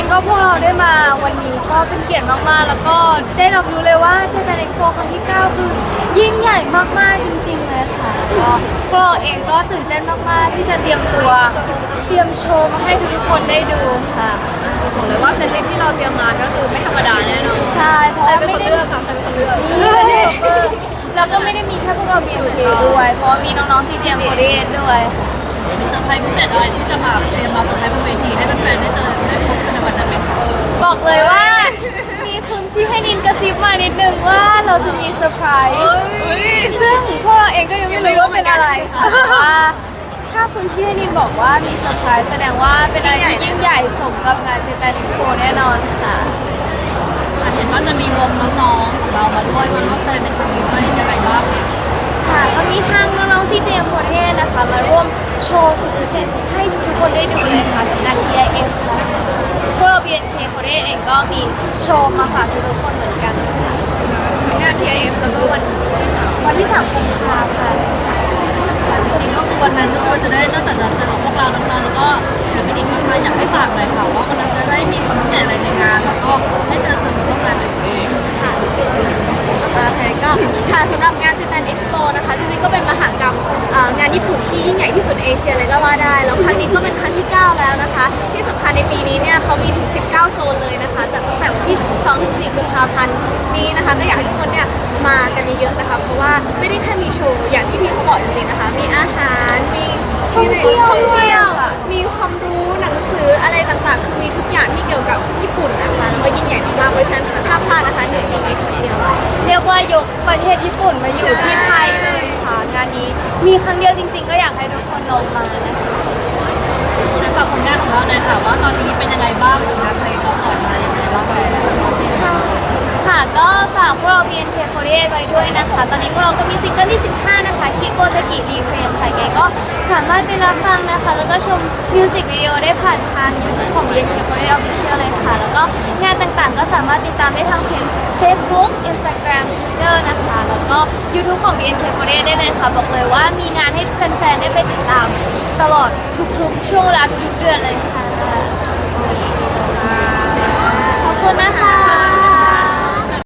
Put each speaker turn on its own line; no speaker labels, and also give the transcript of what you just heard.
ก็พวกเราได้มาวันนี้ก็เป็นเกียรติมากๆแล้วก็ได้รับรู้เลยว่า Japan Expo ครั้งที่ 9 คือยิ่งใหญ่มากๆจริงๆเลยค่ะก็พวกเราเองก็ตื่นเต้นมากๆที่จะเตรียมตัวเตรียมโชว์มาให้ทุกคนได้ดูค่ะ
บอกเลยว่าเซตลิสต์ที่เราเตรียมมาก็คือไม่ธรรมดาแน่นอน
ใช่เพราะว่าไม่ได้
เลือกค่ะใครเป็นคนเลือก
แล้วก็ไม่ได้มีแค่พวกเรา BNK ด้วยเพราะมีน้องๆ CGM48 ด้วย
มีเซอร์ไพรส์พิเศษอะไรที่จะมาเตรียมมาเซอร์ไพรส์บนเวทีให้แฟนๆได้เจอได้พบกันในวันนั้นไหมคะ
บอกเลยว่ามีคุณชี้ให้นินกระซิบมานิดนึงว่าเราจะมีเซอร์ไพรส์ซึ่งพวกเราเองก็ยังไม่รู้ว่าเป็นอะไรค่ะว่าถ้าคุณชี้ให้นินบอกว่ามีเซอร์ไพรส์แสดงว่าเป็นอะไรที่ยิ่งใหญ่สมกับงาน Japan Expo แน่นอนค่ะ
เห็นว่าจะมีวงน้องๆของเรามาด้วยมาร่วมแสดงในครั้งนี้ด้วยยังไงบ้าง
ค่ะก็มีทางน้องๆ CGM48 นะคะมาร่วมโชว์สุดพิเศษให้ทุกคนได้ดูเลยค่ะกับงาน TIF ค่ะพวกเรา BNK48 เองก็มีโชว์มาฝากทุกคนเหมือนกันค่ะ
งาน TIF แล้วก็
วันที่ 3 กุมภาพันธ์
จริงๆก็คือวันนั้นก็คือจะได้นอกจากจะเจอกับพวกเราน้องๆแล้วก็ศิลปินอีกมากมายอยากให้ฝากหน่อยค่ะว่าวันนั้นจะได้มีความพิเศษอะไรในงานแล้วก็ให้เชิญชวนร่วมงานแบบนี้
ค่ะโอเคก็ค่ะสำหรับงาน Japan Expo นะคะจริงๆก็เป็นมหกรรมงานญี่ปุ่นที่ยิ่งใหญ่ที่สุดในเอเชียเลยก็ว่าได้แล้วครั้งนี้ก็เป็นครั้งที่ 9 แล้วนะคะที่สำคัญในปีนี้เนี่ยเขามีถึง 19 โซนเลยนะคะจัดตั้งแต่วันที่ 2-4 กุมภาพันธ์นี้นะคะก็อยากให้ทุกคนเนี่ยมากันเยอะๆนะคะเพราะว่าไม่ได้แค่มีโชว์อย่างที่พี่เขาบอกจริงๆนะคะมีอาหารมี
ท่องเที่ยว
มีความรู้หนังสืออะไรต่างๆ คือมีทุกอย่างที่เกี่ยวกับญี่ปุ่นนะคะแล้วก็ยิ่งใหญ่มากๆเพราะฉะนั้นห้ามพลาดนะคะ1 ปีนี้ครั้งเดียว
เรียกว่ายกประเทศญี่ปุ่นมาอยู่ที่ไทยเลยค่ะงานนี้มีครั้งเดียวจริงๆก็อยากให้ทุกคนลงมานะคะ
ฝากผลงานของเราหน่อยค่ะว่าตอนนี้เป็นยังไงบ้างผลงานเพลงเราปล่อยมายังไงบ้าง
ค่ะก็ฝากพวกเรา BNK48 ไว้ด้วยนะคะตอนนี้พวกเราก็มีซิงเกิลที่ 15 นะคะคิโกตะกิรีเฟรมค่ะไงก็สามารถไปรับฟังนะคะแล้วก็ชมมิวสิกวิดีโอได้ผ่านทาง YouTube ของ BNK48 Official เลยค่ะแล้วก็งานต่างๆก็สามารถติดตามได้ทางเพจ Facebook Instagram Twitter นะคะแล้วก็ YouTube ของ BNK48 ได้เลยค่ะบอกเลยว่ามีงานให้แฟนๆได้ไปติดตามตลอดทุกๆช่วงเวลาทุกๆเดือนเลยค่ะขอบคุณนะคะ